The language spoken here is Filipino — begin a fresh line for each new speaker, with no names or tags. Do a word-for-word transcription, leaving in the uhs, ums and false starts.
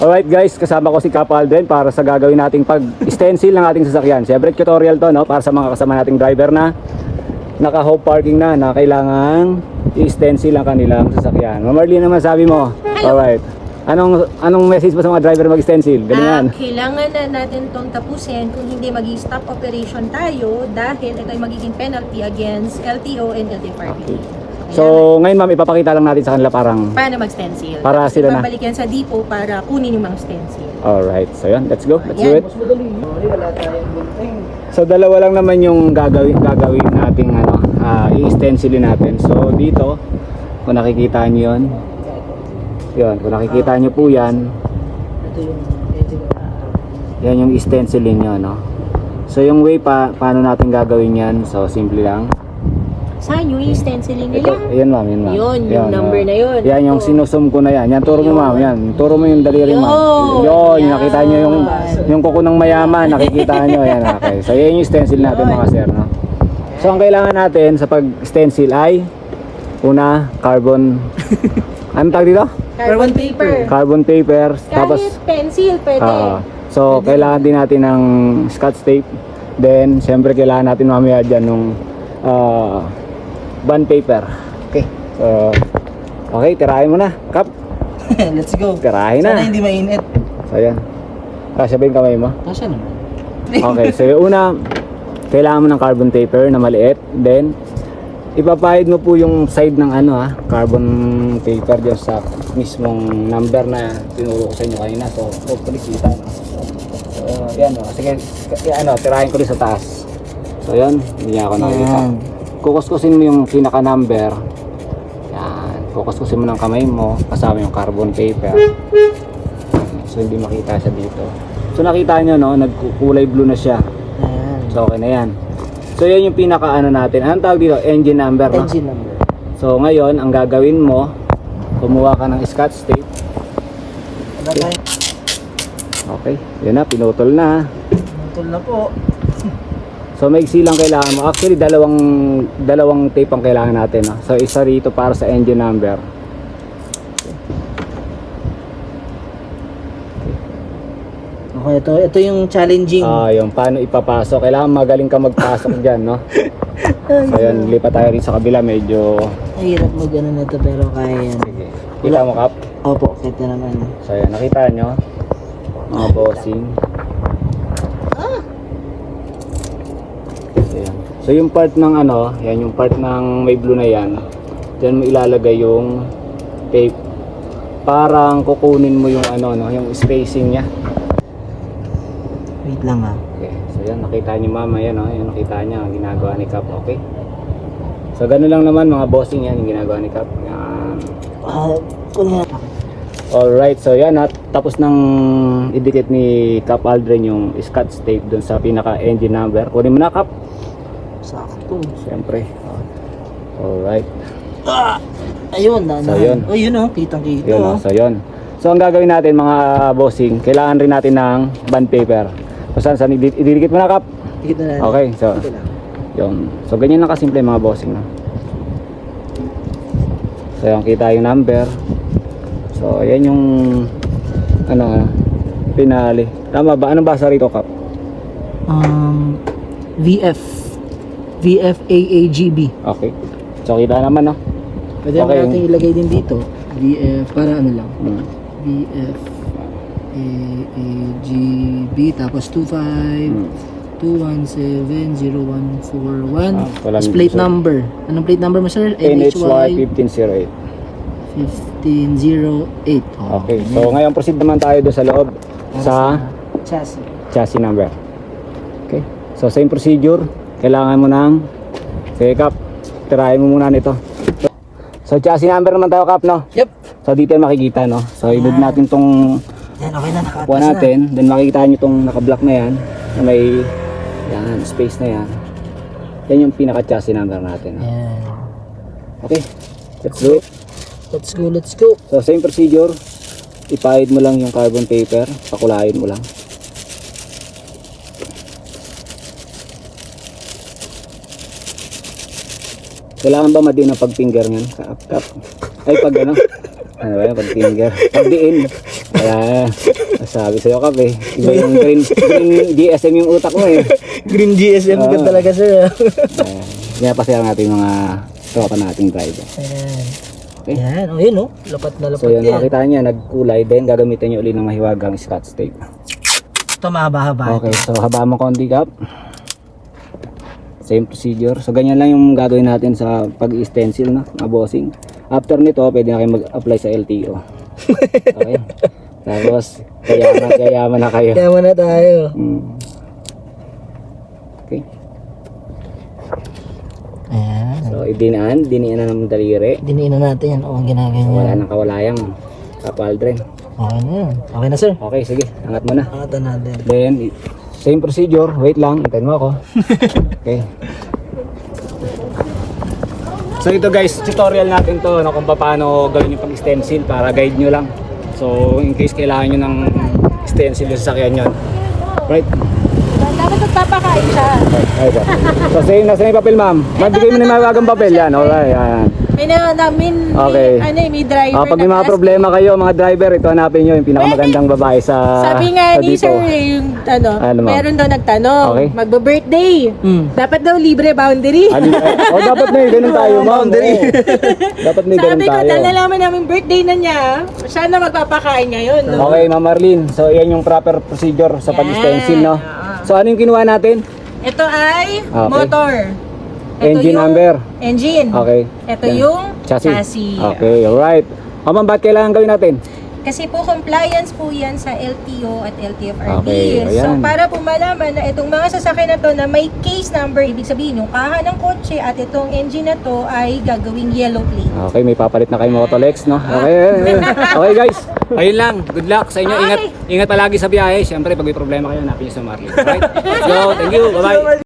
Alright guys, kasama ko si Cap Aldrin para sa gagawin nating pag-stencil ng ating sasakyan. Siyempre tutorial to, no, para sa mga kasama nating driver na naka-home parking na, na kailangan i-stencil ang kanilang sasakyan. Ma'am Marlene, naman sabi mo.
Hello.
Alright. Anong anong message mo sa mga driver mag-stencil? Ganyan.
Ah, kailangan na natin itong tapusin kung hindi mag-stop operation tayo dahil ito ay magiging penalty against L T O and L T F R B.
Okay. So, ngayon ma'am, ipapakita lang natin sa kanila parang
paano mag-stencil.
para
Tapos
sila na.
ibabalik yan sa depot para kunin yung mga stencil.
Alright. So, yan. Let's go. Let's do
Ayan.
it. So, dalawa lang naman yung gagawin gagawin nating ano, uh, i-stencilin natin. So, dito, kung nakikita niyo 'yon. 'Yon, kung nakikita niyo po 'yan. Yan yung stencilin niyo, no. So, yung way pa paano natin gagawin 'yan? So, simple lang.
Saan yung stencilin
Ito,
nila?
ayan ma'am, yun ma'am.
Yun, yung number
oh.
na yun.
Yan yung
Ito.
sinusum ko na yan. Yan, turo mo ma'am, yan. Turo mo yung daliri ma'am.
Yun,
Yun,
yan.
nakita nyo yung, yung kuko ng mayaman, nakikita nyo. Yan, okay. So, yan yung stencil natin mga sir, no? So, ang kailangan natin sa pag-stencil ay, una, carbon, ano tawag dito?
Carbon paper.
Carbon paper, tapos,
Kahit pencil, pwede.
ah, so, kailangan din natin ng scotch tape. Then, syempre, kailangan natin mamaya dyan nung, ah, bond paper. Okay. So, okay, tirahin mo na. Kap,
Let's go.
tirahin na.
Sana hindi mainit.
So, ayan. Kasya ba yung kamay mo?
Kasya naman.
Okay, so yung una, kailangan mo ng carbon paper na maliit. Then, ipapahid mo po yung side ng ano ha, carbon paper dyan sa mismong number na tinuro ko sa inyo kanina. So, hopefully kita. No? So, yan o. Sige, yan, ano, tirahin ko rin sa taas. So, yan. Hindi niya ako nakikita.
Yan.
Kukuskusin mo yung pinaka number. Yan. Kukuskusin mo ng kamay mo kasama yung carbon paper. So hindi makita siya dito. So nakita nyo no, nagkulay blue na siya.
Ayan.
So okay na yan. So yan yung pinaka ano natin. Anong tawag dito? Engine number, no?
Engine number.
So ngayon, ang gagawin mo, kumuha ka ng scotch tape.
Okay.
Okay. Yun na, pinutol na.
Tol na po.
So maiksi lang kailangan mo. Actually dalawang dalawang tape ang kailangan natin, no? So isa rito para sa engine number.
Okay, ito, ito yung challenging.
Ah, yung paano ipapasok. Kailangan magaling ka magpasok diyan, no? So yun, lipat tayo rin sa kabila, medyo
Mahirap mag ano na ito pero kaya yan.
sige. Kita mo kap?
Opo, kita naman.
So yan, nakita nyo mga bossing. So, yan. So yung part ng ano, yan yung part ng may blue na yan. Diyan mo ilalagay yung tape. Parang kukunin mo yung ano, no, yung spacing niya.
Wait lang ah.
Okay. So yan, nakita niyo mama yan, no? Yan nakita niya ang ginagawa ni Cap, okay? So ganun lang naman mga bossing yan yung ginagawa ni Cap. Yan.
Ah, kunin na.
Alright, so yan at tapos nang idikit ni Cap Aldrin yung scotch tape dun sa pinaka engine number. Kunin mo na Cap.
Sakto.
Siyempre. Alright.
Ah! Ayun, na.
So, yun.
Oh, yun oh, kitang-kita.
Yun,
Oh.
oh, so yun. So ang gagawin natin mga bossing, kailangan rin natin ng bond paper. So saan, saan ididikit mo na Cap?
Kita na.
Okay, so
Kita lang.
yun. So ganyan lang kasimple mga bossing, no? So yung kita yung number. So yan yung ano, pinali. Tama ba? Anong basa rito, Cap?
Um, V F. V F A A G B.
Okay. So kita naman, no?
Pwede
Okay.
natin ilagay din dito. V F, para ano lang.
Hmm.
V F A A G B tapos two five
Hmm.
two one seven zero one four one.
Ah, walang
Tapos plate
so-
number. Anong plate number mo, sir?
N H Y fifteen oh eight.
fifteen oh eight.
Okay. So ngayon proceed naman tayo doon sa loob sa
chassis.
chassis number. Okay. So same procedure. Kailangan mo ng sige Cap. Tirahin mo muna nito. So chassis number naman tayo Cap, no?
Yep.
So dito yung makikita, no? So i-move natin tong
Yan, okay na. Nakatas
kuha natin. Then makikita nyo tong naka-block na yan. Na may yan, space na yan. Yan yung pinaka-chassis number natin.
na. Yan.
Okay. Let's do it.
Let's go, let's go.
So same procedure. Ipahid mo lang yung carbon paper. Pakulayin mo lang. Kailangan ba madiin ang pag-finger niyan? Kap, kap. Ay, pag ano? Ano ba yan? Pag-finger. Pag-diin. Kaya, sabi sa'yo kape. Iba yung green, green G S M yung utak mo eh.
Green G S M ka
Oo.
talaga sir.
Ayan. Kaya pasaya natin mga tropa nating driver.
Ayan.
Okay.
Ayan, o yun o. Lapat na lapat
So yun,
yan.
makita niya, nagkulay din. Gagamitin niyo uli ng mahiwagang scotch tape.
Ito mahaba-haba.
Okay, so haba mo konti kap. Same procedure. So ganyan lang yung gagawin natin sa pag-stencil, no? Mga bossing. After nito, pwede na kayo mag-apply sa L T O. Okay. Tapos, kayaman, kayaman na kayo.
Kaya muna tayo.
Hmm. Okay.
Ayan.
So, idinaan, diniin na ng daliri.
Diniin na natin yan. O, ang ginagawa
So,
niya.
wala nang kawalayang kapaldren.
Okay na yan. Okay na sir.
Okay, sige. Angat mo na.
Angatan natin.
Then, i- same procedure. Wait lang. Hintayin mo ako. Okay. So ito guys, tutorial natin to no, kung paano gawin yung pag-stencil para guide nyo lang. So in case kailangan nyo ng stencil yung sasakyan nyo. Right?
Dapat magpapakain siya.
Ay, sir. So same, nasa na yung papel ma'am. Magbigay mo na yung mawagang papel yan. Alright, yan.
May na namin,
Okay.
may, ano eh, may driver
Ah, pag may mga
na-ask.
problema kayo mga driver, ito hanapin nyo yung pinakamagandang babae sa
Sabi nga
sa
ni
dito.
sir, eh, yung ano,
Ano, ma'am?
meron daw nagtanong,
Okay.
magbe-birthday.
Hmm.
Dapat daw libre boundary.
Ano, oh, dapat may ganun tayo, ma'am.
Boundary.
Oo. Dapat may ganun
Sabi ko,
tayo.
dahil nalaman namin birthday na niya, siya na magpapakain ngayon. No?
Okay, Ma'am Marlene. So, yan yung proper procedure sa
Yan.
pag-stencil, no?
Ah.
So, ano yung kinuha natin?
Ito ay
Okay.
motor.
Engine
yung
number.
Engine.
Okay.
Ito
Yan.
yung
Chassis.
chassis.
Okay, alright. O, ma'am, ba't kailangan gawin natin?
Kasi po compliance po yan sa L T O at L T F R B.
Okay,
So
ayan.
para po malaman na itong mga sasakyan na to na may case number, ibig sabihin yung kaha ng kotse at itong engine na to ay gagawing yellow plate.
Okay, may papalit na kayo Motolex, no? Okay, okay guys. Ayun lang. Good luck sa inyo. Ingat, ingat palagi sa biyahe. Siyempre, pag may problema kayo, hanapin niyo sa Marlene. Alright? So, thank you. Bye-bye.